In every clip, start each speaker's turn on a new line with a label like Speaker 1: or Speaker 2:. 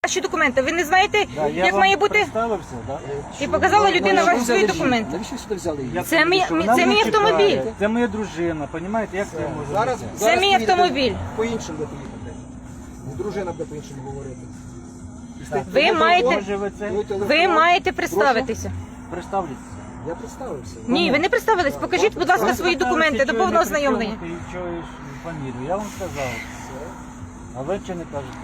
Speaker 1: ваші документи. Ви не знаєте,
Speaker 2: Да, я
Speaker 1: як
Speaker 2: вам
Speaker 1: має бути?
Speaker 2: представився, да?
Speaker 1: І показала людина ваші свої документи.
Speaker 3: Навіщо сюди взяли її?
Speaker 1: Це мій автомобіль.
Speaker 2: Це моя дружина, розумієте, як це може
Speaker 3: Зараз,
Speaker 2: бути?
Speaker 1: Це мій автомобіль.
Speaker 3: По-іншому буде їхати. Дружина буде по-іншому говорити.
Speaker 1: Ви маєте представитися.
Speaker 2: Представлюся.
Speaker 3: Я представився.
Speaker 1: Ні, ви не представились. Покажіть, будь ласка, свої документи до повного ознайомлення.
Speaker 2: Ти чуєш фамілію, я вам сказав. А ви чи не кажете?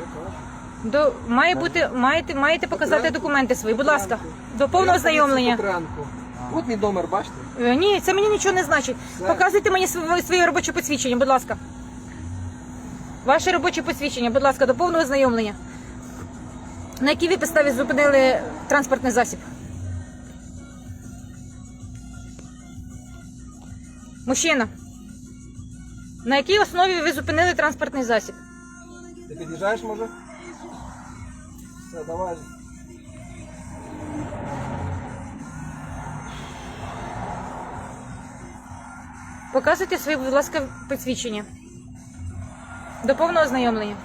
Speaker 1: Маєте показати документи свої, будь ласка, до повного ознайомлення.
Speaker 3: От мій номер, бачите?
Speaker 1: Ні, це мені нічого не значить. Показуйте мені своє робоче посвідчення, будь ласка. Ваше робоче посвідчення, будь ласка, до повного ознайомлення. На якій ви підставі зупинили транспортний засіб? Мужчина, на якій основі ви зупинили транспортний засіб?
Speaker 3: Ти під'їжджаєш, може? Все, давай.
Speaker 1: Показуйте своє, будь ласка, посвідчення. До повного ознайомлення.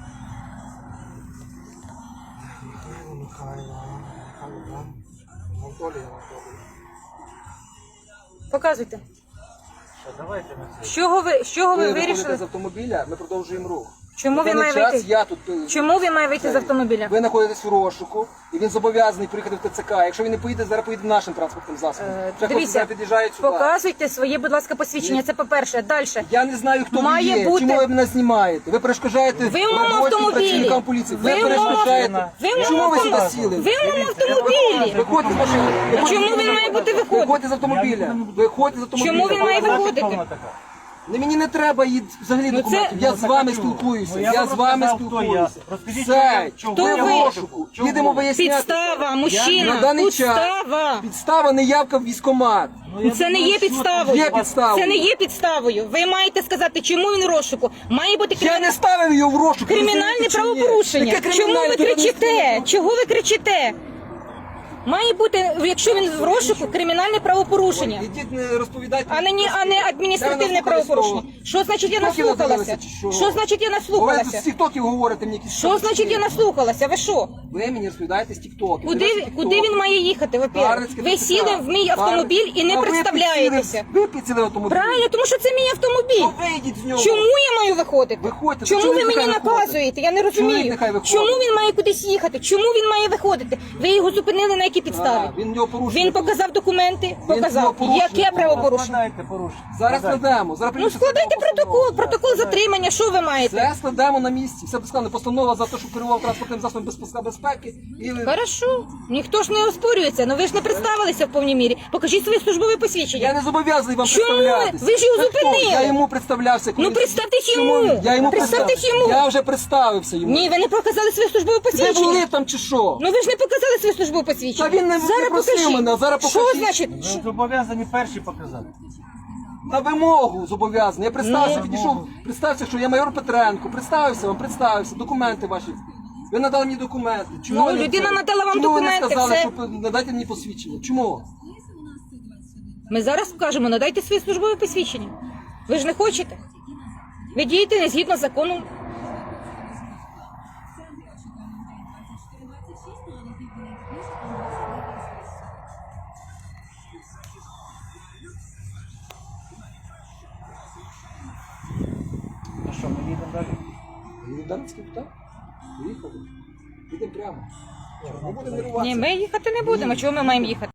Speaker 1: Показуйте.
Speaker 2: Давайте ми це.
Speaker 1: З чого ви
Speaker 3: Ви
Speaker 1: вирішили?
Speaker 3: виходите з автомобіля, ми продовжуємо рух.
Speaker 1: Чому він має
Speaker 3: час
Speaker 1: вийти?
Speaker 3: я тут...
Speaker 1: Чому він має вийти з автомобіля?
Speaker 3: Ви знаходитесь у розшуку, і він зобов'язаний приїхати в ТЦК. Якщо він не поїде, зараз поїде нашим транспортним засобом. Вже хлопці
Speaker 1: Дивіться,
Speaker 3: зараз під'їжджають сюди.
Speaker 1: показуйте своє, будь ласка, посвідчення. Це по-перше. Далі.
Speaker 3: Я не знаю, хто
Speaker 1: Має
Speaker 3: ви є,
Speaker 1: бути-
Speaker 3: чому ви мене знімаєте. Ви перешкоджаєте
Speaker 1: Ви в моєму
Speaker 3: роботі
Speaker 1: автомобілі.
Speaker 3: працівникам поліції. Ви
Speaker 1: Ви в моєму-
Speaker 3: перешкоджаєте.
Speaker 1: ви в
Speaker 3: Чому
Speaker 1: моєму
Speaker 3: ви сюди
Speaker 1: автомобілі.
Speaker 3: сіли?
Speaker 1: Ви в моєму автомобілі.
Speaker 3: Виходьте з машини.
Speaker 1: Чому він має бути виходити?
Speaker 3: Виходьте з автомобіля. Виходьте з автомобіля.
Speaker 1: Чому він має виходити?
Speaker 2: Хто вона така?
Speaker 3: Не, мені не треба їй взагалі
Speaker 1: Ну,
Speaker 3: документів.
Speaker 1: це-
Speaker 3: Я з вами
Speaker 2: Ну,
Speaker 3: спілкуюся.
Speaker 2: я
Speaker 3: Я
Speaker 2: вам
Speaker 3: з вами
Speaker 2: розказав, хто я.
Speaker 3: спілкуюся.
Speaker 2: Розкажіть,
Speaker 3: Все,
Speaker 2: чого
Speaker 1: ви?
Speaker 3: в розшуку.
Speaker 2: Чого?
Speaker 3: Їдемо виясняти.
Speaker 1: Підстава,
Speaker 3: На
Speaker 1: мужчина.
Speaker 3: даний час
Speaker 1: Підстава.
Speaker 3: підстава неявка в військкомат.
Speaker 1: Це не є підставою.
Speaker 3: Є підставою.
Speaker 1: Це не є підставою. Ви маєте сказати, чому він в розшуку. Має бути
Speaker 3: Я не ставив її в розшук.
Speaker 1: кримінальне
Speaker 3: розумієте, чи ні?
Speaker 1: правопорушення.
Speaker 3: Яке
Speaker 1: Чому
Speaker 3: кримінальне?
Speaker 1: ви
Speaker 3: Тут
Speaker 1: кричите? Чого ви кричите? Має бути, якщо він в розшуку, кримінальне правопорушення,
Speaker 3: Ідіть, не розповідайте.
Speaker 1: а не адміністративне
Speaker 3: Я
Speaker 1: правопорушення. Що значить я
Speaker 3: Тіктоки
Speaker 1: наслухалася?
Speaker 3: надивилися, чи що?
Speaker 1: Що значить я
Speaker 3: Ви з
Speaker 1: наслухалася?
Speaker 3: тіктоків говорите мені якісь...
Speaker 1: Що значить я наслухалася? Ви що?
Speaker 3: Ви мені розповідаєте з тіктоків.
Speaker 1: Куди він має їхати? Во-первых? Ви сіли в мій автомобіль і не представляєтеся.
Speaker 3: Ви підсіли в автомобіль.
Speaker 1: Правильно, тому що це мій автомобіль.
Speaker 3: То вийдіть з нього.
Speaker 1: Чому я маю виходити?
Speaker 3: Виходьте.
Speaker 1: Чому
Speaker 3: Чоловік
Speaker 1: ви мені
Speaker 3: нехай виходить.
Speaker 1: наказуєте? Я не розумію.
Speaker 3: Чоловік нехай виходить.
Speaker 1: Чому він має кудись їхати? Чому він має виходити? Ви його зупинили на якій підставі?
Speaker 3: Він нього порушує.
Speaker 1: Він показав документи,
Speaker 3: нього
Speaker 1: показав.
Speaker 3: порушує.
Speaker 1: Яке правопорушення?
Speaker 2: Складайте порушення.
Speaker 3: Зараз
Speaker 2: Складайте.
Speaker 3: складемо. Зараз
Speaker 1: Ну
Speaker 3: прийде
Speaker 1: складайте
Speaker 3: постанова.
Speaker 1: протокол затримання, що ви маєте?
Speaker 3: Все складемо на місці. Все складено. Постанова за те, що керував транспортним засобом без паска безпеки. І...
Speaker 1: Хорошо, ніхто ж не оспорюється, але ви ж не представилися в повній мірі. Покажіть своє службове
Speaker 3: Я
Speaker 1: посвідчення.
Speaker 3: не зобов'язаний вам
Speaker 1: Чому?
Speaker 3: представлятися.
Speaker 1: Ви ж його
Speaker 3: Ви хто?
Speaker 1: зупинили.
Speaker 3: Я йому представлявся.
Speaker 1: Ну, представтесь йому.
Speaker 3: Я йому
Speaker 1: Представтесь
Speaker 3: представився.
Speaker 1: йому.
Speaker 3: Я вже представився йому.
Speaker 1: Ні, ви не показали своє службове
Speaker 3: Ви
Speaker 1: посвідчення.
Speaker 3: були там чи що?
Speaker 1: Ну ви ж не показали своє службове посвідчення.
Speaker 3: Та він не
Speaker 1: Зараз
Speaker 3: просив
Speaker 1: покажіть.
Speaker 3: мене, а зараз
Speaker 1: Що
Speaker 3: покажіть.
Speaker 1: значить?
Speaker 2: Ви зобов'язані перші показати.
Speaker 3: На вимогу зобов'язаний. Я представився,
Speaker 1: Ну.
Speaker 3: підійшов, представився, що я майор Петренко. Представився вам, представився. Документи ваші. Ви надали мені документи. Чому
Speaker 1: Ну,
Speaker 3: ви не
Speaker 1: людина
Speaker 3: це?
Speaker 1: надала вам
Speaker 3: Чому
Speaker 1: документи,
Speaker 3: ви не сказали,
Speaker 1: все.
Speaker 3: що надайте мені посвідчення? Чому?
Speaker 1: Ми зараз скажемо, надайте своє службове посвідчення. Ви ж не хочете. Ви дієте не згідно закону.
Speaker 2: Ну що, ми їдемо далі?
Speaker 3: Данський питав? Поїхали. Їдемо прямо. Ми будемо нервуватися.
Speaker 1: Ні, ми їхати не будемо. Чого ми маємо їхати?